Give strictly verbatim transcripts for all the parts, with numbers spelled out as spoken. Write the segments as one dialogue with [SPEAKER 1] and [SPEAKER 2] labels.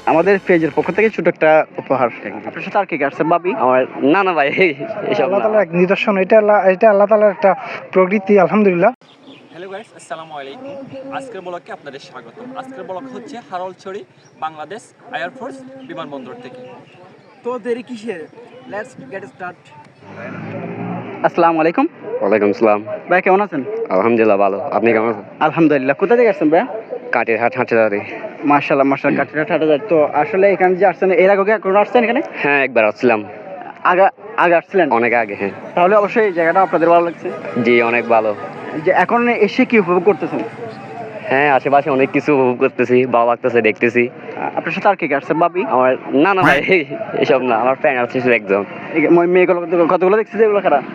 [SPEAKER 1] আমাদের পেজের পক্ষ থেকে ছোট একটা উপহার। আপনার সাথে আর কি আছে ভাবি?
[SPEAKER 2] আমার না না ভাই এসব
[SPEAKER 3] আল্লাহ
[SPEAKER 2] না।
[SPEAKER 3] তাআলার এক নিদর্শন, এটা আল্লাহ এটা আল্লাহ তাআলার একটা প্রকৃতি, আলহামদুলিল্লাহ।
[SPEAKER 4] হ্যালো গাইস, আসসালামু আলাইকুম। আজকের ব্লগে আপনাদের স্বাগত। আজকের ব্লগ হচ্ছে হারলছড়ি বাংলাদেশ এয়ারফোর্স বিমানবন্দর থেকে।
[SPEAKER 5] তো দেরি কিসের? Let's get start.
[SPEAKER 1] আসসালামু আলাইকুম।
[SPEAKER 2] ওয়ালাইকুম আসসালাম।
[SPEAKER 1] ভাই কেমন আছেন?
[SPEAKER 2] আলহামদুলিল্লাহ ভালো, আপনি কেমন আছেন?
[SPEAKER 1] আলহামদুলিল্লাহ। কোথা থেকে আসছেন ভাই?
[SPEAKER 2] কাটির হাট হাঁটাদারি।
[SPEAKER 1] মাশাআল্লাহ মাশাআল্লাহ, কাটিরা ঠাটা যায়। তো আসলে এখানে যে আসছেন, এর আগে কোনো আসছেন এখানে?
[SPEAKER 2] হ্যাঁ একবার আসছিলাম,
[SPEAKER 1] আগে আগে আসছিলেন?
[SPEAKER 2] অনেক আগে। হ্যাঁ
[SPEAKER 1] তাহলে অবশ্যই এই জায়গাটা আপনাদের ভালো লাগছে।
[SPEAKER 2] জি অনেক ভালো।
[SPEAKER 1] যে এখন এসে কি উপভোগ করতেছেন?
[SPEAKER 2] হ্যাঁ আশেপাশে অনেক কিছু উপভোগ করতেছি, ভালো লাগতেছে, দেখতেছি।
[SPEAKER 1] আপনার সাথে আর কি আসছে ভাবি?
[SPEAKER 2] আমার না না ভাই এসব না, আমার ফ্রেন্ড আছে শুধু একজন।
[SPEAKER 1] এই মই- মেয়েগুলো কতগুলো দেখছি যে এগুলো খারাপ।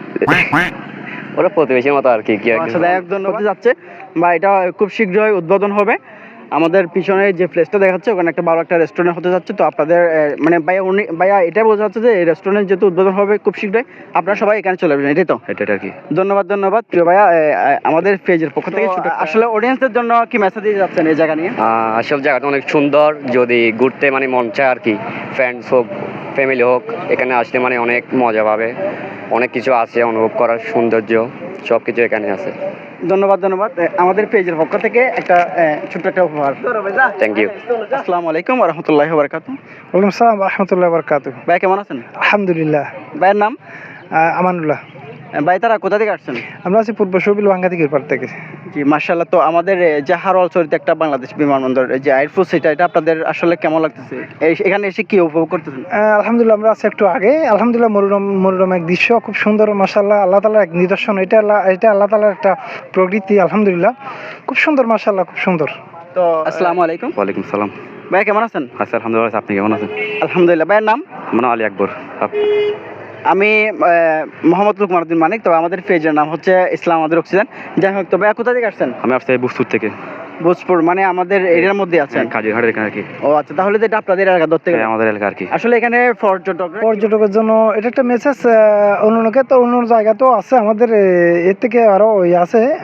[SPEAKER 2] ওরা প্রতিবেশীর মতো আর কি কি আর কি।
[SPEAKER 1] আচ্ছা, এক ধন্যবাদ যাচ্ছে বা এটা খুব শীঘ্রই উদ্বোধন হবে। আমাদের পিছনে যে প্লেসটা দেখাচ্ছে ওখানে একটা ভালো একটা রেস্টুরেন্ট হতে যাচ্ছে। তো আপনাদের আহ, মানে ভাইয়া উনি ভাইয়া এটাই বোঝা যাচ্ছে যে এই রেস্টুরেন্ট যেহেতু উদ্বোধন হবে খুব শীঘ্রই, আপনারা সবাই এখানে চলে আসবেন, এটাই তো?
[SPEAKER 2] এটা আর কি।
[SPEAKER 1] ধন্যবাদ ধন্যবাদ প্রিয় ভাইয়া। আহ, আহ, আমাদের পেজের পক্ষ থেকে ছোট আসলে অডিয়েন্সদের জন্য কি মেসেজ দিয়ে যাচ্ছেন এই জায়গা নিয়ে?
[SPEAKER 2] আহ, সব জায়গাটা অনেক সুন্দর, যদি ঘুরতে মানে মন চায় আর কি, ফ্রেন্ডস হোক ফ্যামিলি হোক, এখানে আসলে মানে অনেক মজা পাবে। অনেক কিছু আছে অনুভব করার, সৌন্দর্য সব কিছু এখানে আছে।
[SPEAKER 1] ধন্যবাদ ধন্যবাদ। আহ, আমাদের পেজের পক্ষ থেকে একটা আহ, ছোট্ট একটা উপহার।
[SPEAKER 2] Thank you.
[SPEAKER 1] আসসালামু আলাইকুম ওয়া রাহমাতুল্লাহি ওয়া বারাকাতুহু।
[SPEAKER 3] ওয়ালাইকুম আসসালাম ওয়া রাহমাতুল্লাহি ওয়া বারাকাতুহু।
[SPEAKER 1] ভাই কেমন আছেন?
[SPEAKER 3] আলহামদুলিল্লাহ।
[SPEAKER 1] ভাইয়ের নাম?
[SPEAKER 3] আহ, আমানুল্লাহ।
[SPEAKER 1] আহ, ভাই তারা কোথা থেকে আসছেন?
[SPEAKER 3] আমরা আছি পূর্ব শোবিল বাঙ্গা দিকের পার থেকে।
[SPEAKER 1] জি মাশাআল্লাহ। তো আমাদের এ, যে হারোয়ালছড়িতে একটা বাংলাদেশ বিমানবন্দর এই যে এয়ারফোর্স, এটা এটা আপনাদের আসলে কেমন লাগতেছে? এই- এখানে এসে কি উপভোগ করতেছেন?
[SPEAKER 3] আহ, আলহামদুলিল্লাহ, আমরা আছি একটু আগে। আলহামদুলিল্লাহ, মনোরম মনোরম এক দৃশ্য, খুব সুন্দর মাশাআল্লাহ। আল্লাহ তাআলার এক নিদর্শন, এটা আল্লাহ এটা আল্লাহ তাআলার একটা প্রকৃতি, আলহামদুলিল্লাহ। খুব সুন্দর মাশাআল্লাহ, খুব সুন্দর।
[SPEAKER 1] তো আসসালামু আলাইকুম।
[SPEAKER 2] ওয়ালাইকুম সালাম।
[SPEAKER 1] ভাই কেমন আছেন?
[SPEAKER 2] আচ্ছা আলহামদুলিল্লাহ, আপনি কেমন আছেন?
[SPEAKER 1] আলহামদুলিল্লাহ। ভাইয়ের নাম?
[SPEAKER 2] আমার নাম আলী আকবর। আপ-
[SPEAKER 1] আমি আহ, মোহাম্মদ লুকমান উদ্দিন মানিক। তো আমাদের পেজের নাম হচ্ছে ইসলাম আমাদের অক্সিজেন। যাই হোক, তো ভাইয়া কোথা থেকে আসছেন?
[SPEAKER 2] আমি আসছি বুসপুর থেকে।
[SPEAKER 1] ভোজপুর মানে আমাদের এরিয়ার মধ্যে আছেন?
[SPEAKER 2] কাজীর হাটের এখানে আর কি।
[SPEAKER 1] ও আচ্ছা, তাহলে তো এটা আপনাদের এলাকা ধরতে গেলে।
[SPEAKER 2] হ্যাঁ, আমাদের এলাকা আর কি।
[SPEAKER 1] আসলে এখানে পর্যটক
[SPEAKER 3] পর্যটকের জন্য এটা একটা মেসেজ। অন্যকে তো অন্য জায়গাতেও আছে, আমাদের এ, এর থেকে আরও ইয়ে আছে, আহ,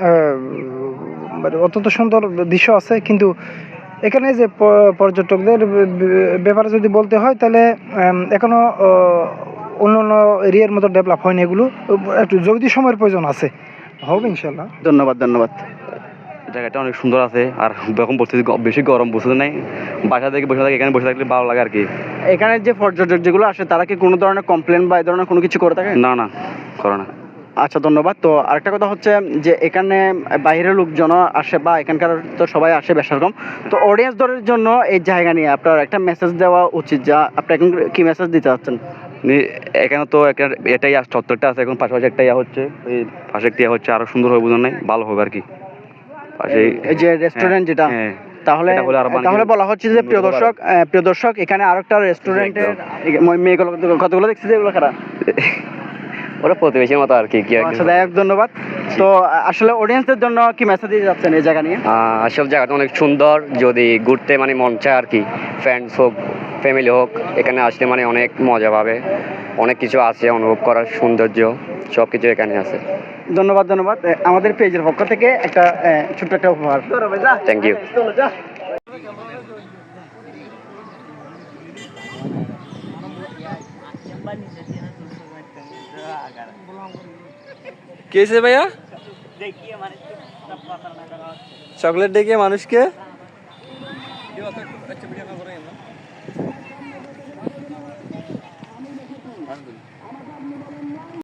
[SPEAKER 3] মানে অত্যন্ত সুন্দর দৃশ্য আছে। কিন্তু এখানে যে প- পর্যটকদের বে- বে- ব্যাপারে যদি বলতে হয়, তাহলে উম, এখনো আহ, অন্য অন্য এরিয়ার মতো ডেভেলপ হয়নি। এগুলো একটু যদি সময়ের প্রয়োজন আছে, হবে ইনশাল্লাহ।
[SPEAKER 1] ধন্যবাদ ধন্যবাদ।
[SPEAKER 2] জায়গাটা অনেক সুন্দর আছে, আর এখন বসতে বেশি গরম বুঝতে নাই, বাসা থেকে বসে থাকে, এখানে বসে থাকলে ভালো লাগে আর কি।
[SPEAKER 1] এখানে যে পর্যটক যেগুলো আসে তারা কি কোনো ধরনের কমপ্লেন বা এই ধরনের কোনো কিছু করে থাকে?
[SPEAKER 2] না না, করো না।
[SPEAKER 1] আচ্ছা ধন্যবাদ। তো আরেকটা কথা হচ্ছে যে এখানে বাইরের লোকজন আসে বা এখানকার তো সবাই আসে বেশ রকম। তো অডিয়েন্স দলের জন্য এই জায়গা নিয়ে আপনার একটা মেসেজ দেওয়া উচিত, যা আপনি এখন কি মেসেজ দিতে চাচ্ছেন?
[SPEAKER 2] নি- এখানে তো একটা এটাই আস- চত্বরটা আছে, এখন পাশাপাশি একটা ইয়া হচ্ছে, এই পাশে একটা ইয়া হচ্ছে, আরো সুন্দর হবে বুঝুন নাই, ভালো হবে আর কি। পাশে
[SPEAKER 1] এই যে রেস্টুরেন্ট যেটা,
[SPEAKER 2] হ্যাঁ,
[SPEAKER 1] তাহলে
[SPEAKER 2] এটা হলে আরো মানে
[SPEAKER 1] তাহলে
[SPEAKER 2] কি-
[SPEAKER 1] বলা হচ্ছে যে প্রিয় দর্শক, আহ, প্রিয় দর্শক এখানে আরেকটা রেস্টুরেন্টের মেয়েগুলো কতগুলো দেখছি যে এগুলো খারাপ।
[SPEAKER 2] ওরা প্রতিবেশীর মতো আর কি কি আর কি।
[SPEAKER 1] আচ্ছা, এক ধন্যবাদ। তো আহ, আসলে অডিয়েন্সদের জন্য কি মেসেজ দিয়ে যাচ্ছেন এই জায়গা নিয়ে?
[SPEAKER 2] আহ, সব জায়গাটা অনেক সুন্দর, যদি ঘুরতে মানে মন চায় আর কি, ফ্রেন্ডস হোক ফ্যামিলি হোক, এখানে আসলে মানে অনেক মজা পাবে। অনেক কিছু আছে অনুভব করার, সৌন্দর্য সব কিছু এখানে আছে।
[SPEAKER 1] ধন্যবাদ ধন্যবাদ। আহ, আমাদের পেজের পক্ষ থেকে একটা আহ, ছোট্ট একটা উপহার।
[SPEAKER 2] Thank you.
[SPEAKER 5] কে সে ভাইয়া? চকলেট ডেকে মানুষকে